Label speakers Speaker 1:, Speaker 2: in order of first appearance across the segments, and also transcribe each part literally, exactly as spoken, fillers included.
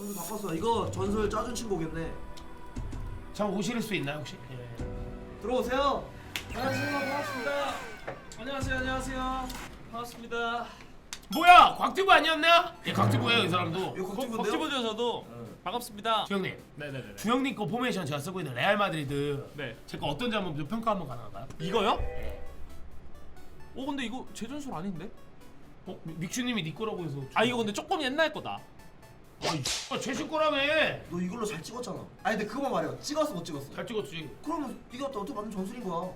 Speaker 1: 전술 바꿨어. 이거 전술 짜준 친구겠네.
Speaker 2: 참 오실 수 있나요 혹시? 예.
Speaker 1: 들어오세요.
Speaker 3: 안녕하세요. 반갑습니다. 안녕하세요. 안녕하세요. 반갑습니다.
Speaker 2: 뭐야 곽튜브 아니었나? 예 곽튜브예요 이 사람도.
Speaker 1: 이거 곽튜브인데요?
Speaker 3: 박지보죠 저도.
Speaker 1: 응.
Speaker 3: 반갑습니다.
Speaker 2: 주영님.
Speaker 3: 네네네.
Speaker 2: 주영님 거 포메이션 제가 쓰고 있는 레알 마드리드.
Speaker 3: 네.
Speaker 2: 제거 어떤지 한번 좀 평가 한번 가능한가요?
Speaker 3: 이거요?
Speaker 2: 예.
Speaker 3: 어 근데 이거 제 전술 아닌데?
Speaker 2: 어 믹슈님이 네 거라고 해서.
Speaker 3: 아 이거 근데 조금 옛날 거다.
Speaker 2: 아이 최신 거라며.
Speaker 1: 너 이걸로 잘 찍었잖아. 아니 근데 그거만 말해요. 찍었어 못 찍었어?
Speaker 2: 잘 찍었지.
Speaker 1: 그러면 네가 어떻게 만든 전술인 거야.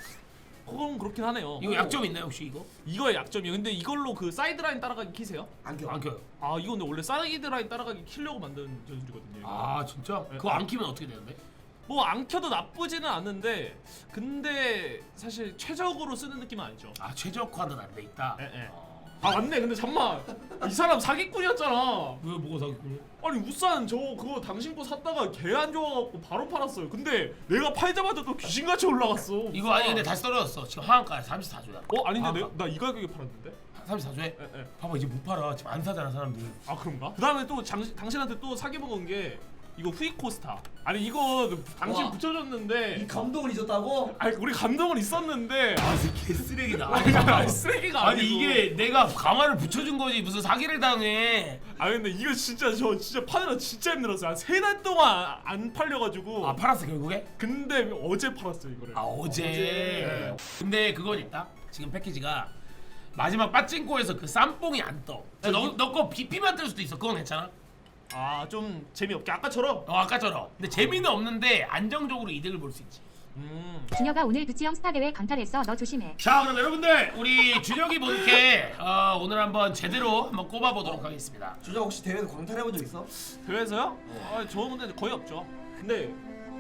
Speaker 3: 그건 그렇긴 하네요.
Speaker 2: 이거 약점 있나요 혹시 이거?
Speaker 3: 이거의 약점이요. 근데 이걸로 그 사이드 라인 따라가기 키세요?
Speaker 1: 안 껴.
Speaker 2: 안 켜요.
Speaker 3: 아 이거 근데 원래 사이드 라인 따라가기 키려고 만든 전술이거든요. 이거.
Speaker 2: 아 진짜?
Speaker 3: 네.
Speaker 2: 그거 안 키면 어떻게 되는데?
Speaker 3: 뭐 안 켜도 나쁘지는 않는데 근데 사실 최적으로 쓰는 느낌은 아니죠.
Speaker 2: 아 최적화는 안 돼 있다.
Speaker 3: 예, 예.
Speaker 2: 어.
Speaker 3: 아 맞네. 근데 잠만 이 사람 사기꾼이었잖아.
Speaker 2: 왜 뭐가 사기꾼이야?
Speaker 3: 아니 우산 저 그거 당신 거 샀다가 개 안 좋아갖고 바로 팔았어요. 근데 내가 팔자마자 또 귀신같이 올라갔어.
Speaker 2: 이거 아니 근데 다시 떨어졌어. 지금 하한가에 삼십사 조야.
Speaker 3: 어 아닌데
Speaker 2: 아,
Speaker 3: 내, 나 이 가격에 팔았는데?
Speaker 2: 삼십사 조에?
Speaker 3: 에, 에.
Speaker 2: 봐봐 이제 못 팔아. 지금 안 사잖아 사람들.
Speaker 3: 아 그런가? 그 다음에 또 장, 당신한테 또 사기 먹은 게 이거 후이코스타. 아니 이거 당신
Speaker 1: 와.
Speaker 3: 붙여줬는데
Speaker 1: 이 감동을 잊었다고?
Speaker 3: 아니 우리 감동은 있었는데
Speaker 2: 아 이제 개쓰레기다.
Speaker 3: 아니 쓰레기가
Speaker 2: 아니
Speaker 3: 아니고.
Speaker 2: 이게 내가 가마를 붙여준 거지 무슨 사기를 당해.
Speaker 3: 아 근데 이거 진짜 저 진짜 파느라 진짜 힘들었어요. 한 세 달 동안 안 팔려가지고.
Speaker 2: 아 팔았어 결국에?
Speaker 3: 근데 어제 팔았어요 이거를.
Speaker 2: 아 어제.
Speaker 3: 어제.
Speaker 2: 근데 그건 있다. 지금 패키지가 마지막 빠찡코에서 그 쌈뽕이 안 떠. 너너거 비피만 뜰 수도 있어. 그건 괜찮아?
Speaker 3: 아 좀 재미없게 아까처럼.
Speaker 2: 어 아까처럼. 근데 재미는 없는데 안정적으로 이득을 볼 수 있지.
Speaker 3: 음.
Speaker 4: 준혁아 오늘 부치형 스타 대회 강탈했어. 너 조심해.
Speaker 2: 자 그럼 여러분들 우리 준혁이 본캐 어, 오늘 한번 제대로 한번 꼽아보도록 하겠습니다.
Speaker 1: 주장 혹시 대회에서 광탈해본 적 있어?
Speaker 3: 대회에서요? 아 저는 근데 거의 없죠. 근데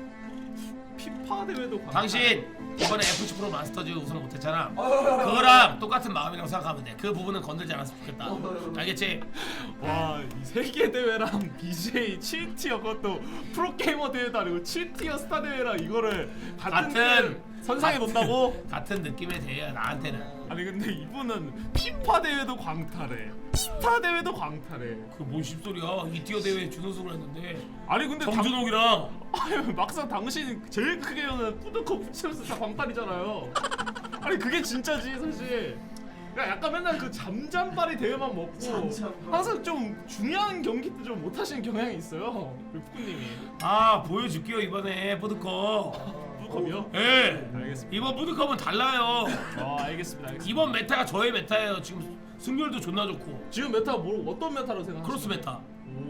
Speaker 3: 피파 대회도 광탈.
Speaker 2: 당신 이번에 에프씨 프로 마스터즈 우승 못했잖아.
Speaker 1: 아,
Speaker 2: 그거랑 똑같은 마음이라고 생각하면 돼. 그 부분은 건들지 않았으면 좋겠다. 알겠지?
Speaker 3: 와이 세계 대회랑 비제이 칠 티어 그것도 프로게이머 대회도 아니고 칠 티어 스타 대회랑 이거를 같은,
Speaker 2: 같은
Speaker 3: 선상에 놓는다고?
Speaker 2: 같은 느낌의 대회야 나한테는.
Speaker 3: 아니 근데 이분은 피파 대회도 광탈해 스타 대회도 광탈해.
Speaker 2: 그뭔 씹소리야. 이 티어 대회 준우승을 했는데
Speaker 3: 아니 근데
Speaker 2: 정준옥이랑
Speaker 3: 당... 아니 막상 당신 제일 크게 여는 푸드컵 붙이면서 다 광탈이잖아요. 아니 그게 진짜지 사실. 그러니까 약간 맨날 그 잠잠바리 대회만 먹고
Speaker 1: 잠잠바리.
Speaker 3: 항상 좀 중요한 경기 때 좀 못하시는 경향이 있어요 우리 푸꾸님이.
Speaker 2: 아 보여줄게요 이번에 푸드컵.
Speaker 3: 푸드컵이요?
Speaker 2: 예.
Speaker 3: 알겠습니다.
Speaker 2: 이번 푸드컵은 달라요.
Speaker 3: 아 알겠습니다. 알겠습니다.
Speaker 2: 이번 메타가 저의 메타예요. 지금 승률도 존나 좋고.
Speaker 3: 지금 메타가 뭐 어떤 메타로 생각하세요?
Speaker 2: 크로스 메타.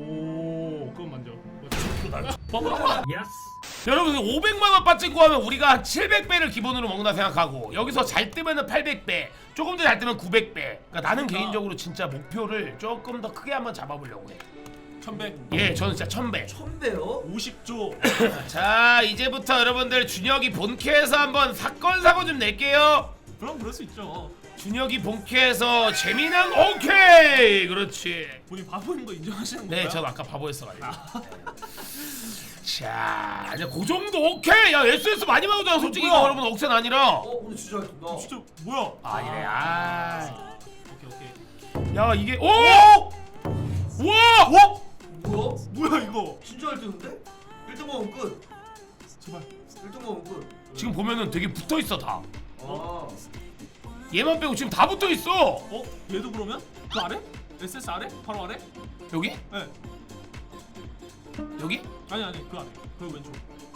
Speaker 3: 오 그건 먼저.
Speaker 2: 여러분 오백만 원 빠찍고 하면 우리가 한 칠백 배를 기본으로 먹는다 생각하고 여기서 잘 뜨면은 팔백 배, 조금 더 잘 뜨면 구백 배. 그러니까 나는 개인적으로 진짜 목표를 조금 더 크게 한번 잡아보려고 해.
Speaker 3: 천백.
Speaker 2: 예, 저는 진짜 천 배.
Speaker 1: 천배요?
Speaker 3: 오십 조.
Speaker 2: 자, 이제부터 여러분들 준혁이 본캐에서 한번 사건 사고 좀 낼게요.
Speaker 3: 그럼 그럴 수 있죠.
Speaker 2: 준혁이 본캐에서 재미난 오케이. 그렇지.
Speaker 3: 본인 바보인 거 인정하시는 건가요?
Speaker 2: 네, 저도 아까 바보였어가지고. 자, 이제 그 정도 오케이. 야, 에스에스 많이 받았잖아. 솔직히 이거 여러분 억센 아니라.
Speaker 1: 어 오늘 진짜 나
Speaker 3: 진짜 뭐야?
Speaker 2: 아 이래. 아.
Speaker 3: 오케이 오케이.
Speaker 2: 야 이게 오! 와! 와!
Speaker 1: 뭐야?
Speaker 3: 뭐야 이거?
Speaker 1: 진짜 일 등인데? 일 등 먹으면 끝.
Speaker 3: 제발.
Speaker 1: 일 등 먹으면 끝.
Speaker 2: 지금 보면은 되게 붙어 있어 다.
Speaker 1: 아.
Speaker 2: 얘만 빼고 지금 다 붙어 있어.
Speaker 3: 어? 얘도 그러면? 그 아래? 에스에스 아래? 바로 아래?
Speaker 2: 여기?
Speaker 3: 네.
Speaker 2: 여기?
Speaker 3: 아니 아니 그 아래. 그 왼쪽.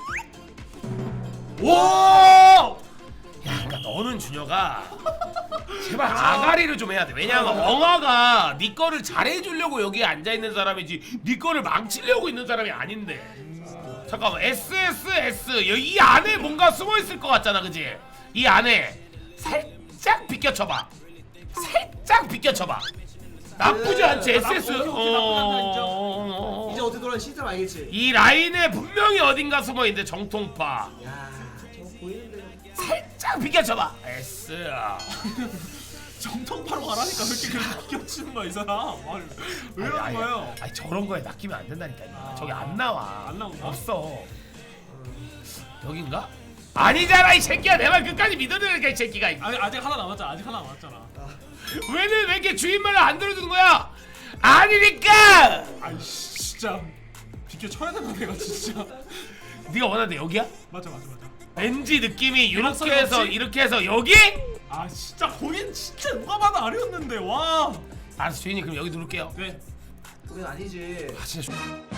Speaker 2: 오! 야, 그러니까 너는 준혁아 제발 아가리를 좀 해야 돼. 왜냐면 엉아가 네 거를 잘해주려고 여기에 앉아 있는 사람이지 네 거를 망치려고 있는 사람이 아닌데. 잠깐만 에스에스에스 이 안에 뭔가 숨어 있을 것 같잖아, 그지? 이 안에 살짝 비껴쳐봐. 살짝 비껴쳐봐. 나쁘지 않지 에스에스.
Speaker 1: 나쁘지, 나쁘지 않다, 인정.
Speaker 2: 어...
Speaker 1: 이제 어떻게 돌아가는 시스템 알겠지?
Speaker 2: 이 라인에 분명히 어딘가 숨어 있는데 정통파.
Speaker 1: 야, 저거 보이는데.
Speaker 2: 살짝 비껴쳐봐. 에스.
Speaker 3: 정통파로 가라니까 왜 이렇게 그렇게 비껴치는 거야 이 사람? 아니, 왜
Speaker 2: 아니,
Speaker 3: 그러는
Speaker 2: 아니,
Speaker 3: 거예요?
Speaker 2: 아니 저런 거에 낚이면 안 된다니까.
Speaker 3: 아.
Speaker 2: 저기 안 나와.
Speaker 3: 안 나오나?
Speaker 2: 없어. 여긴가? 아니잖아 이 새끼야. 내 말 끝까지 믿어내니까 이 새끼가.
Speaker 3: 아니 아직 하나 남았잖아. 아직 하나 남았잖아.
Speaker 2: 왜는 왜 이렇게 주인 말을 안 들어주는 거야? 아니니까.
Speaker 3: 아이씨. 진짜 비켜 쳐야 된다 내가 진짜.
Speaker 2: 네가 원하는데 여기야?
Speaker 3: 맞아 맞아 맞아.
Speaker 2: 왠지 느낌이 이렇게
Speaker 3: 대각선
Speaker 2: 해서
Speaker 3: 없이?
Speaker 2: 이렇게 해서 여기?
Speaker 3: 아 진짜 거긴 진짜 누가 봐도 아래였는데 와.
Speaker 2: 알았어 주인님 그럼 여기 누를게요.
Speaker 3: 네.
Speaker 1: 그건 아니지.
Speaker 2: 아 진짜.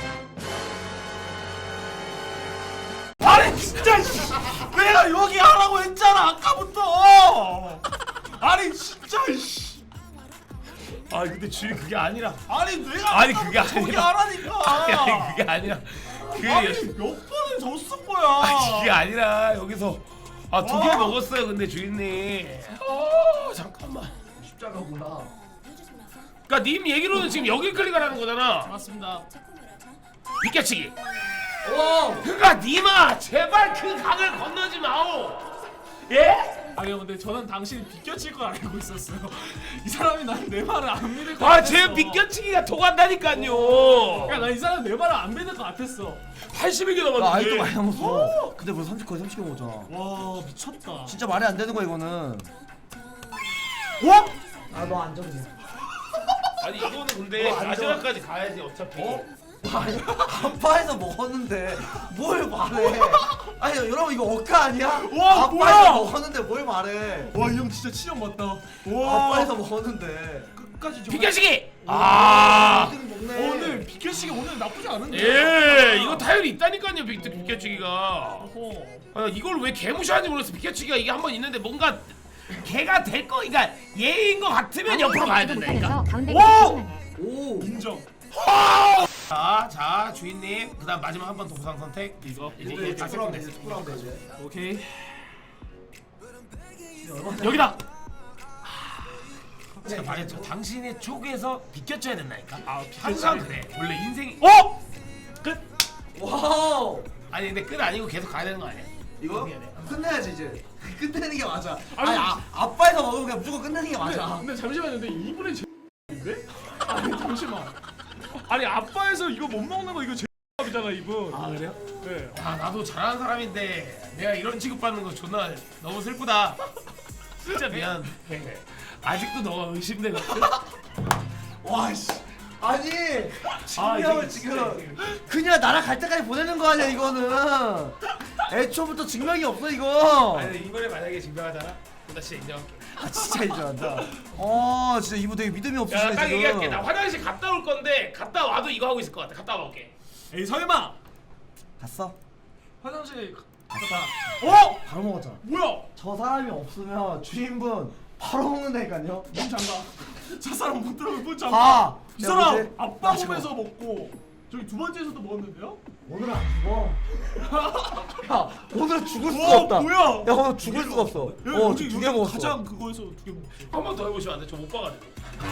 Speaker 3: 아니 진짜 씨. 내가 여기 하라고 했잖아 아까부터. 아니 진짜 씨.
Speaker 2: 아 근데 주인 그게 아니라.
Speaker 3: 아니 내가
Speaker 2: 아니, 그게
Speaker 3: 아까부터 저기
Speaker 2: 아니라.
Speaker 3: 하라니까.
Speaker 2: 아니 그게 아니라. 그게
Speaker 3: 아니 몇 번을 졌을 거야.
Speaker 2: 아 그게 아니라 여기서 아 두 개
Speaker 3: 와.
Speaker 2: 먹었어요 근데 주인님. 어 잠깐만.
Speaker 1: 십자가구나.
Speaker 2: 그러니까 님 얘기로는 지금 여기 클릭하라는 거잖아.
Speaker 3: 맞습니다.
Speaker 2: 비껴치기.
Speaker 1: 오.
Speaker 2: 그러니까 님아 제발 그 강을 건너지 마오. 예?
Speaker 3: 아니 근데 저는 당신이 비껴칠 걸 알고 있었어요. 이 사람이 난 내 말을 안 믿을 것
Speaker 2: 아제
Speaker 3: 같았어.
Speaker 2: 비껴치기가 통한다니까요.
Speaker 3: 야 나 이 사람 내 말을 안 믿을 것 같았어.
Speaker 2: 팔십일 개
Speaker 1: 나
Speaker 2: 남았는데.
Speaker 1: 아직도 많이 남았어. 근데 벌써 삼십 거의 삼십 개 먹었잖아.
Speaker 3: 와 미쳤다.
Speaker 1: 진짜 말이 안 되는 거야 이거는.
Speaker 3: 와?
Speaker 1: 아 너 안 정해.
Speaker 2: 아니 이거는 근데
Speaker 1: 어, 안
Speaker 2: 마지막까지 가야지 어차피.
Speaker 1: 어? 아니 아빠에서 먹었는데 뭘 말해? 아니 여러분 이거 억까 아니야?
Speaker 3: 와,
Speaker 1: 아빠에서
Speaker 3: 뭐야?
Speaker 1: 먹었는데 뭘 말해?
Speaker 3: 와 이 형 진짜 치력 맞다. 와.
Speaker 1: 아빠에서 먹었는데.
Speaker 3: 끝까지 정말-
Speaker 2: 비껴치기. 아.
Speaker 1: 일 등
Speaker 3: 어,
Speaker 1: 먹네.
Speaker 3: 오늘 비켜치기 오늘 나쁘지 않은데.
Speaker 2: 예, 이거 타율이 있다니까요, 비, 비껴치기가.
Speaker 3: 어허.
Speaker 2: 아, 이걸 왜 개무시하는지 모르겠어. 비껴치기가 이게 한 번 있는데 뭔가 개가 될 거, 그러니까 예인 거 같으면 옆으로 가야 된다니까.
Speaker 4: 못하면서 가운데
Speaker 3: 오!
Speaker 4: 조심하게.
Speaker 1: 오.
Speaker 3: 인정.
Speaker 2: 자, 자, 주인님, 그다음 마지막 한 번 더 보상 선택.
Speaker 3: 이거.
Speaker 2: 이제
Speaker 1: 이제
Speaker 2: 이게 다
Speaker 1: 축구라면
Speaker 2: 됐어.
Speaker 1: 되지. 축구라면 되지.
Speaker 3: 오케이.
Speaker 2: 여기다. 제가 말했죠. 당신의 쪽에서 비껴쳐야 된다니까.
Speaker 3: 아, 비껴치기.
Speaker 2: 항상 그래. 원래 인생이.
Speaker 3: 어? 끝.
Speaker 1: 와우.
Speaker 2: 아니 근데 끝 아니고 계속 가야 되는 거 아니야?
Speaker 1: 이거
Speaker 2: 미안해.
Speaker 1: 끝내야지 이제. 끝내는 게 맞아.
Speaker 3: 아니,
Speaker 1: 아니 아, 아빠에서 먹으면 그냥 무조건 끝내는 게
Speaker 3: 근데,
Speaker 1: 맞아.
Speaker 3: 근데 잠시만요. 근데 이분의 제인데? 아니 잠시만. 아니 아빠에서 이거 못 먹는 거 이거 제이잖아 이분.
Speaker 2: 아 그래요?
Speaker 3: 네.
Speaker 2: 아 나도 잘하는 사람인데 내가 이런 취급받는 거 존나 너무 슬프다. 진짜 미안. 아직도 너가 의심되거든.
Speaker 1: 와 씨. 아니
Speaker 2: 아,
Speaker 1: 증명을
Speaker 2: 이게
Speaker 1: 지금 그냥 날아갈 때까지 보내는 거 아니야 이거는. 애초부터 증명이 없어 이거.
Speaker 2: 아니 이번에 만약에 증명하잖아. 나 진짜 인정할게.
Speaker 1: 아 진짜 인정한다. 어 진짜 이분 되게 믿음이 없으시네
Speaker 2: 야딱
Speaker 1: 지금.
Speaker 2: 얘기할게. 나 화장실 갔다 올 건데 갔다 와도 이거 하고 있을 것 같아. 갔다 와볼게.
Speaker 3: 에이 설마
Speaker 1: 갔어?
Speaker 3: 화장실에 갔다.
Speaker 1: 어? 바로 먹었잖아.
Speaker 3: 뭐야?
Speaker 1: 저 사람이 없으면 주인분 바로 먹는다니까요.
Speaker 3: 문 잠가. 저 사람 못 들어오면 문 잠가.
Speaker 1: 봐.
Speaker 3: 이
Speaker 1: 야,
Speaker 3: 사람
Speaker 1: 뭐지?
Speaker 3: 아빠
Speaker 1: 나 지금
Speaker 3: 몸에서 먹고 저기 두 번째에서도 먹었는데요?
Speaker 1: 오늘은 안 죽어. 야 오늘 죽을 수가
Speaker 3: 와,
Speaker 1: 없다.
Speaker 3: 뭐야?
Speaker 1: 야 오늘 죽을 수가 없어. 어 두 개 먹었어.
Speaker 3: 가장 그거에서 두 개 먹었어.
Speaker 2: 한 번 더 해보시면 안 돼? 저 못 봐가지고.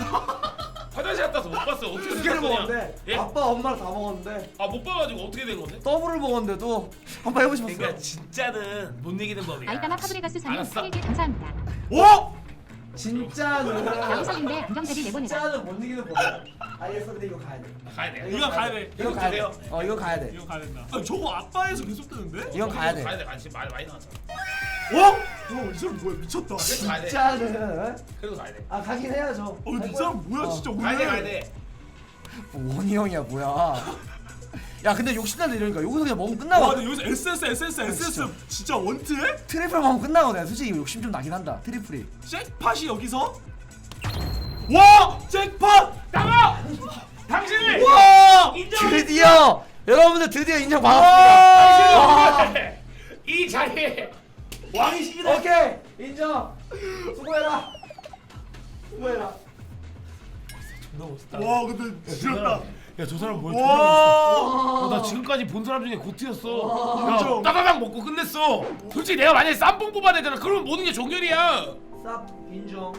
Speaker 2: 화장실 갔다 와서 못 봤어. 어떻게
Speaker 1: 두
Speaker 2: 된
Speaker 1: 개를
Speaker 2: 거냐?
Speaker 1: 먹었는데
Speaker 2: 예?
Speaker 1: 아빠 엄마랑 다 먹었는데
Speaker 2: 아못 봐가지고 어떻게 된 건데?
Speaker 1: 더블을 먹었는데도 한번 해보시면
Speaker 2: 그러니까 진짜는 못 이기는 법이야.
Speaker 4: 아이따마 파브레가스 사님
Speaker 2: 알았어.
Speaker 4: 일 개 감사합니다.
Speaker 3: 어?
Speaker 1: 진짜는
Speaker 4: 양석인데 안정자리 내보내라.
Speaker 1: 진짜는 못 이기는 법이야. 알겠어 근데 이거 가야 돼.
Speaker 2: 가야 돼.
Speaker 3: 이거 가야 돼.
Speaker 1: 이거 가야 돼.
Speaker 2: 돼요?
Speaker 1: 어 이거 가야 돼.
Speaker 3: 이거 가야 된다. 아니, 저거 아빠에서 계속 뜨는데?
Speaker 1: 이건 가야 돼.
Speaker 2: 가야 돼. 지금 많이 많이 나왔잖아.
Speaker 3: 어? 어, 이 사람 뭐야 미쳤다.
Speaker 2: 그래도 가야 돼.
Speaker 1: 진짜는
Speaker 2: 그래도 가야 돼.
Speaker 1: 아 가긴 해야죠.
Speaker 3: 어, 이 사람 뭐야
Speaker 1: 어.
Speaker 3: 진짜 오늘.
Speaker 2: 가야 돼. 가야 돼.
Speaker 1: 뭐 원희 형이야 뭐야. 야 근데 욕심나는 이러니까 여기서 그냥 먹으면
Speaker 3: 와,
Speaker 1: 끝나거든.
Speaker 3: 근데 여기서 에스에스 에스에스 에스에스
Speaker 1: 진짜.
Speaker 3: 진짜 원트에?
Speaker 1: 트리플 먹으면 끝나거든. 솔직히 욕심 좀 나긴 한다. 트리플이.
Speaker 3: 잭팟이 여기서? 와! 잭팟!
Speaker 2: 나가! 당신을!
Speaker 1: 와!
Speaker 2: 인정!
Speaker 1: 드디어 여러분들 드디어 인정받았습니다.
Speaker 2: 당신을! 이 자리에 왕이십니다.
Speaker 1: 오케이 인정. 수고해라. 수고해라.
Speaker 2: 존나 멋있다.
Speaker 3: 와 근데 지렸다.
Speaker 2: 야저 사람 뭐야?
Speaker 3: 와!
Speaker 2: 어, 나 지금까지 본 사람 중에 고트였어. 야,
Speaker 3: 인정.
Speaker 2: 따다닥 먹고 끝냈어. 솔직히 내가 만약에 쌈뽕 뽑아야 되잖아. 그러면 모든 게 종결이야.
Speaker 1: 쌉 인정.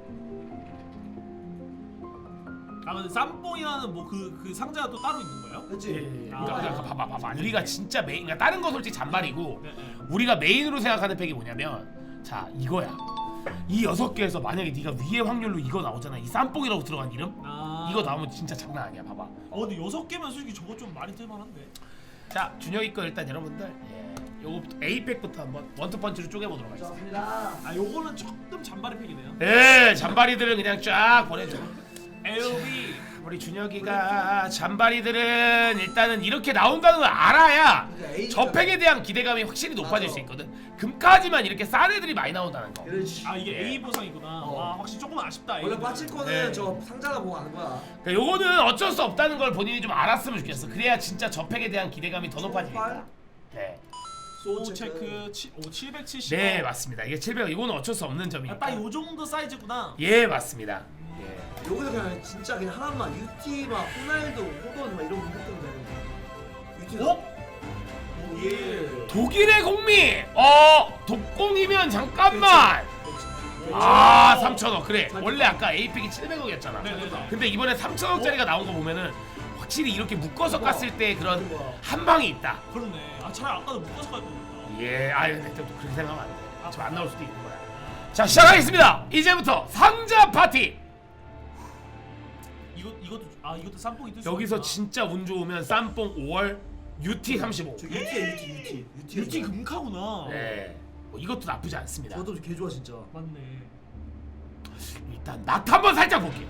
Speaker 3: 아 근데 쌈뽕이라는 뭐 그 그 상자가 또 따로 있는 거예요?
Speaker 1: 그렇지.
Speaker 3: 아.
Speaker 2: 그러니까, 그러니까 봐봐 봐봐. 우리가 진짜 메인, 그러니까 다른 거 솔직히 잔말이고
Speaker 3: 네, 네.
Speaker 2: 우리가 메인으로 생각하는 팩이 뭐냐면 자 이거야. 이 여섯 개에서 만약에 네가 위의 확률로 이거 나오잖아. 이 쌈뽕이라고 들어간 이름?
Speaker 3: 아.
Speaker 2: 이거 나오면 진짜 장난 아니야. 봐봐.
Speaker 3: 어 근데 여섯 개면 솔직히 저거 좀 많이 뜰만한데.
Speaker 2: 자 준혁이 거 일단 여러분들 예, 요거부터 A팩부터 한번 원투펀치로 쪼개보도록 하겠습니다.
Speaker 1: 좋습니다.
Speaker 3: 아 요거는 조금 잔바리 팩이네요.
Speaker 2: 예, 잔바리들을 그냥 쫙 보내줘.
Speaker 3: 엘비
Speaker 2: 우리 준혁이가 잔바리들은 일단은 이렇게 나온다는 걸 알아야 저팩에 대한 기대감이 확실히 높아질 수 있거든. 금까지만 이렇게 싼 애들이 많이 나온다는 거.
Speaker 1: 그렇지.
Speaker 3: 아 이게 A 보상이구나.
Speaker 1: 어.
Speaker 3: 와 확실히 조금 아쉽다.
Speaker 1: 원래
Speaker 3: A는.
Speaker 1: 빠질 거는
Speaker 2: 네.
Speaker 1: 저 상자나 보고 하는 거야.
Speaker 2: 그러니까 요거는 어쩔 수 없다는 걸 본인이 좀 알았으면 좋겠어. 그래야 진짜 저팩에 대한 기대감이 더 높아지니까. 네.
Speaker 3: 소우 체크 오 칠백칠십.
Speaker 2: 네 맞습니다. 이게 칠백 이거는 어쩔 수 없는 점이니까.
Speaker 3: 딱 요 정도 사이즈구나.
Speaker 2: 예 맞습니다. 예.
Speaker 1: 여기서 그냥 진짜 그냥 하나만 유티 막 호날두, 호돈 막 이런 거 했던 거. 유티.
Speaker 3: 어?
Speaker 1: 예.
Speaker 2: 독일의 공미. 어 독공이면 잠깐만. 아 삼천억 그래. 원래 아까 에이픽이 칠백억이었잖아.
Speaker 3: 네네네.
Speaker 2: 근데 이번에 삼천억짜리가 나온 거 보면은 확실히 이렇게 묶어서 깠을 때 그런 한 방이 있다.
Speaker 3: 그렇네. 아 차라리 아까도 묶어서 갈 거니까.
Speaker 2: 예, 아 근데 또 그렇게 생각하면 안 돼. 지금 안 나올 수도 있는 거야. 자 시작하겠습니다. 이제부터 상자 파티.
Speaker 3: 이거 이것도 아 이것도 쌈뽕이 뜰 수.
Speaker 2: 여기서
Speaker 3: 있구나.
Speaker 2: 진짜 운 좋으면 쌈뽕 오월 유티 삼십오.
Speaker 1: 저 유티야 유티 유티. 유티.
Speaker 3: 유티 금카구나.
Speaker 2: 네, 뭐 이것도 나쁘지 않습니다.
Speaker 1: 저도 개 좋아 진짜.
Speaker 3: 맞네.
Speaker 2: 일단 낙 한번 살짝 볼게요.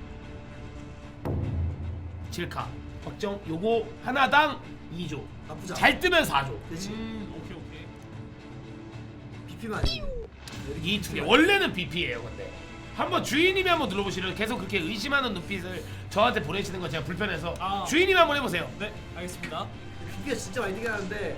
Speaker 2: 칠 카 확정. 요거 하나당 이 조.
Speaker 1: 나쁘지 않아.
Speaker 2: 잘 뜨면 사 조.
Speaker 1: 그렇지.
Speaker 3: 음 오케이 오케이.
Speaker 1: 비피만 아니고.
Speaker 2: 이 두 개 원래는 비피예요. 근데 한번 주인님이 한번 눌러보시면 계속 그렇게 의심하는 눈빛을 저한테 보내시는 거 제가 불편해서
Speaker 3: 아.
Speaker 2: 주인님이 한번 해보세요.
Speaker 3: 네 알겠습니다.
Speaker 1: 비피가 진짜 많이 뜨긴 하는데.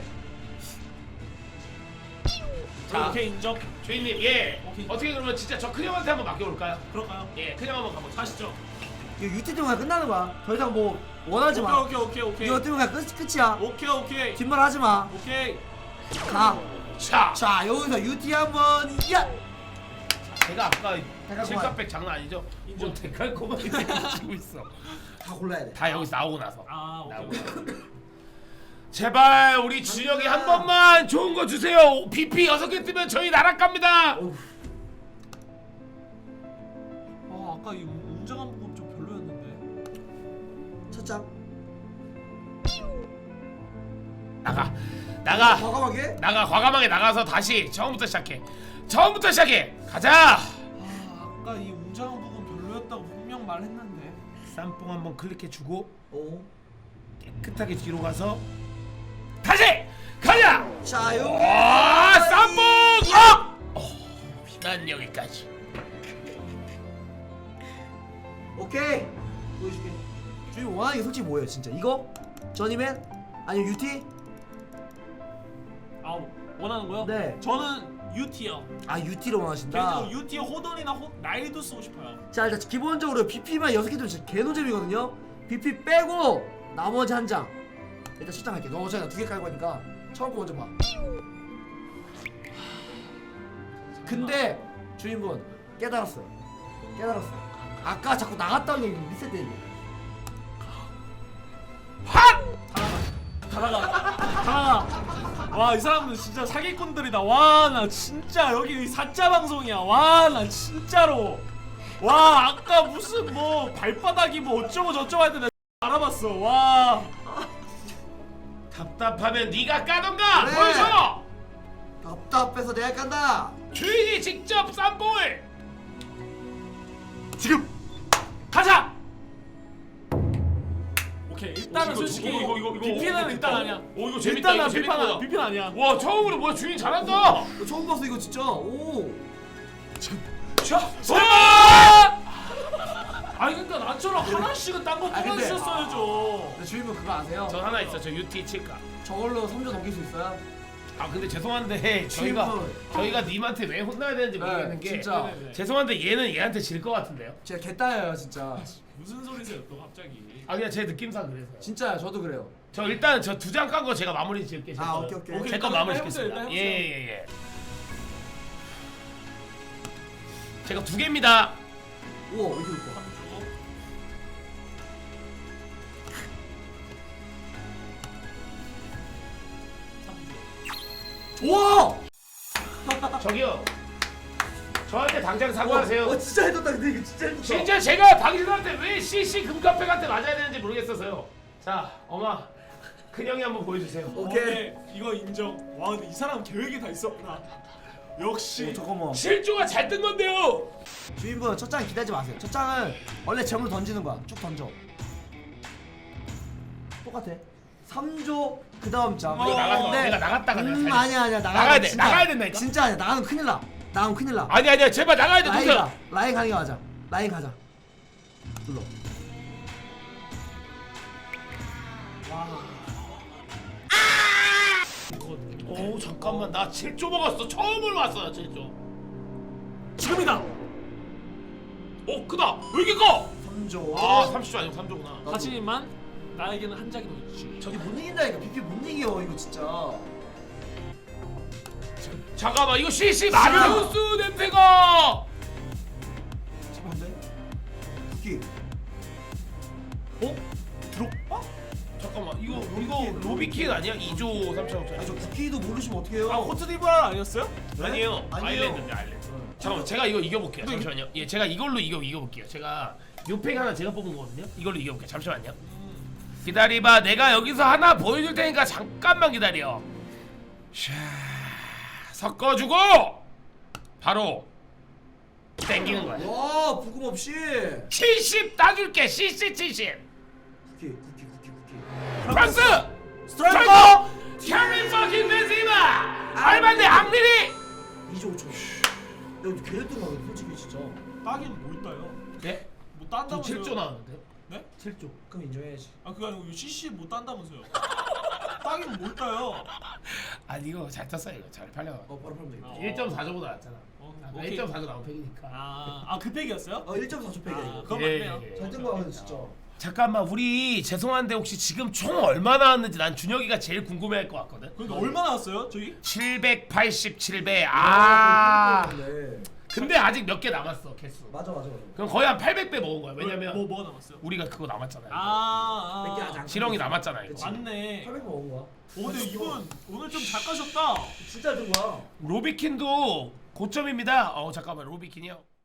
Speaker 2: 자.
Speaker 3: 오케이 인정.
Speaker 2: 주인님 예
Speaker 3: 오케이.
Speaker 2: 어떻게 그러면 진짜 저 큰형한테 한번 맡겨볼까요?
Speaker 3: 그럴까요?
Speaker 2: 예 큰형 한번 가보죠.
Speaker 3: 가시죠.
Speaker 1: 이거 유티 때문에 그냥 끝나는 거야. 더 이상 뭐 원하지 마.
Speaker 3: 오케이 오케이 오케이
Speaker 1: 이거
Speaker 3: 오케이.
Speaker 1: 때문에 그냥 끝 끝이야.
Speaker 3: 오케이 오케이.
Speaker 1: 뒷말 하지 마.
Speaker 3: 오케이.
Speaker 1: 가.
Speaker 2: 자,
Speaker 1: 자 여기서 유티 한번 야.
Speaker 2: 제가 아까
Speaker 1: 데칼코마.
Speaker 2: 칠갑백 장난 아니죠?
Speaker 3: 인정.
Speaker 2: 뭐 데칼코마이 지고 있어.
Speaker 1: 다 골라야 돼.
Speaker 2: 다 여기서 나오고 나서.
Speaker 3: 아 오케이.
Speaker 2: 나오고
Speaker 3: 오케이.
Speaker 2: 나서. 제발 우리 준혁이 한 번만 좋은 거 주세요. 비피 여섯 개 뜨면 저희 나락 갑니다.
Speaker 1: 어우.
Speaker 3: 아 아까 이 웅장한 부분 좀 별로였는데.
Speaker 1: 첫 장.
Speaker 2: 나가, 나가,
Speaker 1: 과감하게.
Speaker 2: 나가. 과감하게 나가서 다시 처음부터 시작해. 처음부터 시작해. 가자.
Speaker 3: 아 아까 이 웅장한 부분 별로였다고 분명 말했는데.
Speaker 2: 쌈뽕 한번 클릭해주고
Speaker 1: 오.
Speaker 2: 깨끗하게 뒤로 가서 다시 가자.
Speaker 1: 자 여기.
Speaker 2: 와 쌈뽕 업. 어, 난 여기까지.
Speaker 1: 오케이. 보여줄게. 주인 원하는 게 솔직히 뭐예요 진짜? 이거? 저니맨? 아니면 유티?
Speaker 3: 아 원하는 거요?
Speaker 1: 네.
Speaker 3: 저는 유티요.
Speaker 1: 아 유티로 원하신다.
Speaker 3: 개인적으로 유티 호돈이나 호, 나이도 쓰고 싶어요.
Speaker 1: 자 일단 기본적으로 비피만 여섯 개 좀 진짜 개노잼이거든요. 비피 빼고 나머지 한 장. 일단 첫 장 할게. 너 어차피 두 개 깔고 하니까 처음 거 먼저 봐. 근데 주인분 깨달았어요. 깨달았어. 아까 자꾸 나갔다 오는 게 리셋되는 게.
Speaker 3: 가다가 가다가 와 이 사람들 진짜 사기꾼들이다. 와 나 진짜 여기 사짜 방송이야. 와 나 진짜로 와 아까 무슨 뭐 발바닥이 뭐 어쩌고 저쩌고 할 때 내가 알아봤어. 와
Speaker 2: 답답하면 네가 까던가.
Speaker 1: 그래.
Speaker 2: 보여줘.
Speaker 1: 답답해서 내가 깐다.
Speaker 2: 주인이 직접 쌈뽕을
Speaker 1: 지금.
Speaker 2: 가자.
Speaker 3: 오케이 일단은
Speaker 2: 이거,
Speaker 3: 솔직히
Speaker 2: 이거, 이거, 이거, 이거,
Speaker 3: 비피는
Speaker 2: 이거,
Speaker 3: 일단
Speaker 2: 이거.
Speaker 3: 아니야.
Speaker 2: 오, 이거 재밌다,
Speaker 3: 일단
Speaker 2: 이거
Speaker 3: 난
Speaker 2: 재밌다.
Speaker 3: 비판 비판 아니야.
Speaker 2: 와 처음으로 뭐야 주인 잘한다.
Speaker 1: 너 처음 봤어 이거 진짜. 오.
Speaker 2: 자,
Speaker 3: 와! 아니 그러니까 나처럼 하나씩은 딴거
Speaker 1: 아,
Speaker 3: 뽑아
Speaker 1: 근데-
Speaker 3: 주셨어야죠.
Speaker 1: 근데 주인분 그거 아세요?
Speaker 2: 저 하나 있어. 저 유티 칠까.
Speaker 1: 저걸로 삼 조 넘길 수 있어요?
Speaker 2: 아 근데 죄송한데 저희가
Speaker 1: 주인분.
Speaker 2: 저희가 님한테 왜 혼나야 되는지
Speaker 1: 네,
Speaker 2: 모르겠는 게
Speaker 1: 진짜.
Speaker 3: 네네네.
Speaker 2: 죄송한데 얘는 얘한테 질 것 같은데요.
Speaker 1: 제가 개따여요 진짜.
Speaker 3: 무슨 소리세요 또 갑자기?
Speaker 2: 아 그냥 제 느낌상 그래서요.
Speaker 1: 진짜요 저도 그래요.
Speaker 2: 저 일단 저 두 장 깐 거 제가 마무리 지을게. 제
Speaker 1: 아,
Speaker 2: 거는.
Speaker 1: 오케이, 오케이.
Speaker 3: 오케이,
Speaker 2: 제 거
Speaker 3: 일단
Speaker 2: 마무리
Speaker 3: 해보세요,
Speaker 2: 짓겠습니다.
Speaker 3: 일단
Speaker 2: 예예예
Speaker 3: 해보세요.
Speaker 2: 예. 제가 두 개입니다.
Speaker 1: 우와 왜 이렇게 좋다. 우와!
Speaker 2: 저기요. 저한테 당장 사과하세요.
Speaker 1: 어, 어 진짜 해줬다 근데 이거 진짜 해줬다.
Speaker 2: 진짜 제가 당신한테 왜 씨씨 금카페한테 맞아야 되는지 모르겠어서요. 자, 엄마, 큰형이 한번 보여주세요.
Speaker 1: 오케이.
Speaker 3: 어, 이거 인정. 와 근데 이 사람 계획이 다 있었구나. 역시.
Speaker 1: 어, 잠깐만.
Speaker 2: 실조가 잘 뜬 건데요.
Speaker 1: 주인분 첫 장 기대하지 마세요. 첫 장은 원래 재물 던지는 거야. 쭉 던져. 똑같아. 삼 조 그다음 자.
Speaker 2: 이거 나가서 내가 나갔다가 내가
Speaker 1: 음
Speaker 2: 살렸어.
Speaker 1: 아니야 아니야 나가야,
Speaker 2: 나가야 돼,
Speaker 1: 진짜.
Speaker 2: 나가야 된다니까.
Speaker 1: 진짜 아니야. 나가면 큰일 나. 나가면 큰일 나.
Speaker 2: 아니 아니야 제발 나가야 돼
Speaker 1: 라인
Speaker 2: 동생.
Speaker 1: 가. 라인 가는 게 맞아. 라인 가자. 눌러.
Speaker 2: 오 잠깐만 나 칠 조 먹었어. 처음으로 왔어 나 칠 조.
Speaker 3: 지금이다.
Speaker 2: 오 크다. 왜 이렇게 커?
Speaker 1: 삼 조.
Speaker 2: 아 삼십 조 아니고 삼 조구나.
Speaker 3: 하지만 나에게는 한 장이 더 있지.
Speaker 1: 저기 못 이긴다니까. 비피 못 이겨 이거 진짜.
Speaker 2: 잠깐만 이거 씨씨 마리우스 냄새가.
Speaker 1: 제발 안 돼. 비피.
Speaker 2: 어? 드롭바? 잠깐만 이거 이거 로비킨 아니야? 이 조 삼천오천.
Speaker 1: 아니 저 쿠키도 모르시면 어떡해요?
Speaker 3: 아 코트디부아르 아니었어요?
Speaker 2: 아니에요.
Speaker 1: 아니에요.
Speaker 2: 아일랜드인데 아일랜드. 잠깐만 제가 이거 이겨볼게요. 잠시만요. 예, 제가 이걸로 이겨 이겨볼게요. 제가 요팩 하나 제가 뽑은 거거든요. 이걸로 이겨볼게요. 잠시만요. 기다리봐. 내가 여기서 하나 보여줄 테니까 잠깐만 기다려. 샤 섞어주고 바로 땡기는 거야.
Speaker 1: 와 부금 없이.
Speaker 2: 칠십 따줄게. 씨씨 칠십.
Speaker 1: 쿠키 쿠키 쿠키 쿠키.
Speaker 2: 프랑스
Speaker 1: 스트라이커.
Speaker 2: 캐리 퍼킹 베지마 알반데 앙리리.
Speaker 1: 이 조 오천. 야 걔네 뜬 거야 솔직히 진짜.
Speaker 3: 따기는 뭘 따요?
Speaker 2: 네?
Speaker 3: 뭐
Speaker 2: 저
Speaker 3: 딴다면서요?
Speaker 2: 칠 조 나왔는데.
Speaker 3: 네?
Speaker 2: 칠 조.
Speaker 1: 그럼 인정해야지.
Speaker 3: 아 그게 아니고 씨씨 못 딴다면서요? 따기는 뭘 따요?
Speaker 2: 아니 이거 잘 tas어 이거 잘 팔려.
Speaker 1: 어 바로 팔면 되겠다.
Speaker 3: 어.
Speaker 2: 일 점 사 조보다 낫잖아.
Speaker 3: 어,
Speaker 2: 아,
Speaker 3: 오케이.
Speaker 2: 일 점 사 조 나온 팩이니까.
Speaker 3: 아아그 팩이었어요?
Speaker 1: 어 일 점 사 조 팩이야
Speaker 3: 아,
Speaker 1: 이거.
Speaker 3: 그건
Speaker 2: 예,
Speaker 3: 맞네요.
Speaker 2: 예, 예.
Speaker 1: 잘 뜬 거야 근데 진짜.
Speaker 2: 잠깐만 우리 죄송한데 혹시 지금 총 얼마 나왔는지 난 준혁이가 제일 궁금해할 것 같거든.
Speaker 3: 그러니까 얼마 나왔어요 저기?
Speaker 2: 칠백팔십칠 배. 아.
Speaker 1: 네.
Speaker 2: 근데 아직 몇 개 남았어 개수.
Speaker 1: 맞아 맞아 맞아.
Speaker 2: 그럼 거의 한 팔백 배 먹은 거야. 왜냐면
Speaker 3: 뭐 뭐가 남았어요?
Speaker 2: 우리가 그거 남았잖아요.
Speaker 3: 아,
Speaker 1: 몇 개 아직
Speaker 3: 아
Speaker 1: 안
Speaker 2: 실형이 남았잖아 이거.
Speaker 1: 그치.
Speaker 3: 맞네.
Speaker 1: 팔백 먹은 거야.
Speaker 3: 오 근데 이분 오늘 좀 작가셨다.
Speaker 1: 진짜 뜬 거야.
Speaker 2: 로비킨도 고점입니다. 어 잠깐만 로비킨이요.